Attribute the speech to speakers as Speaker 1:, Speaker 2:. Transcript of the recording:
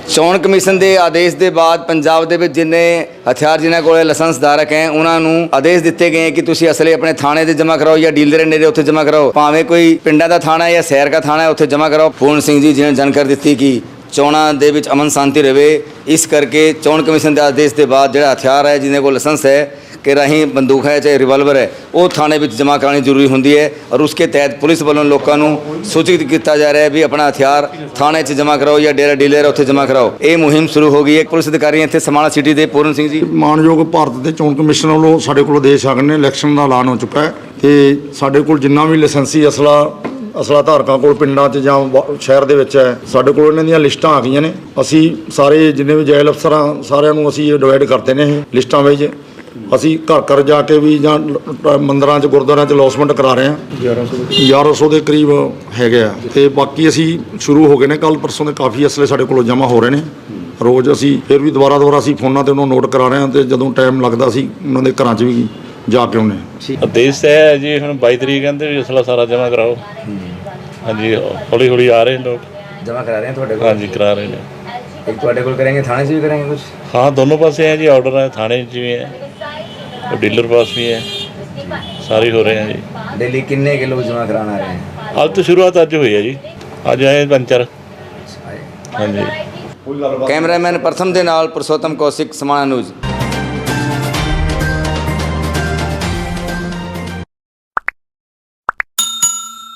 Speaker 1: ਚੋਣ ਕਮਿਸ਼ਨ ਦੇ ਆਦੇਸ਼ ਦੇ ਬਾਅਦ ਪੰਜਾਬ ਦੇ ਵਿੱਚ ਜਿੰਨੇ ਹਥਿਆਰ ਜਿਨ੍ਹਾਂ ਕੋਲ ਲਾਇਸੈਂਸ ਧਾਰਕ ਹੈ ਉਹਨਾਂ ਨੂੰ ਆਦੇਸ਼ ਦਿੱਤੇ ਗਏ ਕਿ ਤੁਸੀਂ ਅਸਲੇ ਆਪਣੇ ਥਾਣੇ ਤੇ ਜਮ੍ਹਾਂ ਕਰਾਓ ਜਾਂ ਡੀਲਰ ਨੇੜੇ ਉੱਥੇ ਜਮ੍ਹਾਂ ਕਰਾਓ, ਭਾਵੇਂ ਕੋਈ ਪਿੰਡਾਂ ਦਾ ਥਾਣਾ ਹੈ ਜਾਂ ਸ਼ਹਿਰ ਦਾ ਥਾਣਾ ਹੈ ਉੱਥੇ ਜਮ੍ਹਾਂ ਕਰਾਓ। ਪੂਰਨ ਸਿੰਘ ਜੀ ਜਿਹਨੇ ਜਾਣਕਾਰੀ ਦਿੱਤੀ ਕਿ ਚੋਣਾਂ ਦੇ ਵਿੱਚ ਅਮਨ ਸ਼ਾਂਤੀ ਰਹੇ, ਇਸ ਕਰਕੇ ਚੋਣ ਕਮਿਸ਼ਨ ਦੇ ਆਦੇਸ਼ ਦੇ ਬਾਅਦ ਜਿਹੜਾ ਹਥਿਆਰ ਹੈ ਜਿਹਦੇ ਕੋਲ ਲਾਇਸੈਂਸ ਹੈ कि राही बंदूक है चाहे रिवाल्वर है वो थाने में जमा करानी जरूरी होंगी है और उसके तहत पुलिस वालों लोगों को सूचित किया जा रहा है भी अपना हथियार थाने जमा कराओ या डेरा डीलर है उत्थे जमा कराओ। ये मुहिम शुरू हो गई है। पुलिस अधिकारी इतने समाणा सिटी के पूर्ण सिंह जी
Speaker 2: मानयोग भारत के चोण कमिशन वालों साढ़े को आदेश आ गए ने इलैक्शन का ऐलान हो चुका है तो साढ़े को जिन्ना भी लाइसेंसी असला धारकों को पिंडों च शहर के है साढ़े को इन्हां दीयां लिस्टां आ गई ने। असी सारे जिन्ने भी जैल अफसर सारिਆਂ ਨੂੰ ਅਸੀਂ डिवाइड करते हैं लिस्टां ਵਿੱਚ। ਅਸੀਂ ਘਰ ਘਰ ਜਾ ਕੇ ਵੀ ਜਾਂ ਮੰਦਰਾਂ 'ਚ ਗੁਰਦੁਆਰਿਆਂ 'ਚ ਅਲੌਸਮੈਂਟ ਕਰਾ ਰਹੇ ਹਾਂ। 1100 ਦੇ ਕਰੀਬ ਹੈਗੇ ਆ ਤੇ ਬਾਕੀ ਅਸੀਂ ਸ਼ੁਰੂ ਹੋ ਗਏ ਨੇ। ਕੱਲ ਪਰਸੋਂ ਦੇ ਕਾਫੀ ਅਸਲੇ ਸਾਡੇ ਕੋਲੋਂ ਜਮ੍ਹਾਂ ਹੋ ਰਹੇ ਨੇ। ਰੋਜ਼ ਅਸੀਂ ਫਿਰ ਵੀ ਦੁਬਾਰਾ ਅਸੀਂ ਫੋਨਾਂ ਤੇ ਉਹਨਾਂ ਨੂੰ ਨੋਟ ਕਰਾ ਰਹੇ ਹਾਂ ਤੇ ਜਦੋਂ ਟਾਈਮ ਲੱਗਦਾ ਅਸੀਂ ਉਹਨਾਂ ਦੇ ਘਰਾਂ 'ਚ ਵੀ ਜਾ ਕੇ ਆਉਂਦੇ ਹਾਂ।
Speaker 3: ਆਦੇਸ਼ ਹੈ ਜੀ ਹੁਣ 22 ਤਰੀਕ ਕਹਿੰਦੇ ਵੀ ਅਸਲਾ ਸਾਰਾ ਜਮ੍ਹਾਂ ਕਰਾਓ। ਹਾਂਜੀ ਹੌਲੀ ਹੌਲੀ ਆ ਰਹੇ ਲੋਕ
Speaker 1: जमा करा रहे हैं ਤੁਹਾਡੇ ਕੋਲ।
Speaker 3: ਹਾਂਜੀ ਕਰਾ ਰਹੇ ਨੇ।
Speaker 1: एक ਤੁਹਾਡੇ ਕੋਲ करेंगे थाने से भी करेंगे कुछ?
Speaker 3: हाँ दोनों पासे हैं जी ऑर्डर है, थाने भी है और डीलर पास भी है, सारे हो रहे हैं जी।
Speaker 1: डेली कितने के लोग जमा कराना रहे हैं?
Speaker 3: आज तो शुरुआत अज हुई है जी, अज आए 5-4। हाँ जी।
Speaker 1: कैमरामैन प्रथम के नाल पुरुषोत्तम कौशिक समाणा न्यूज़।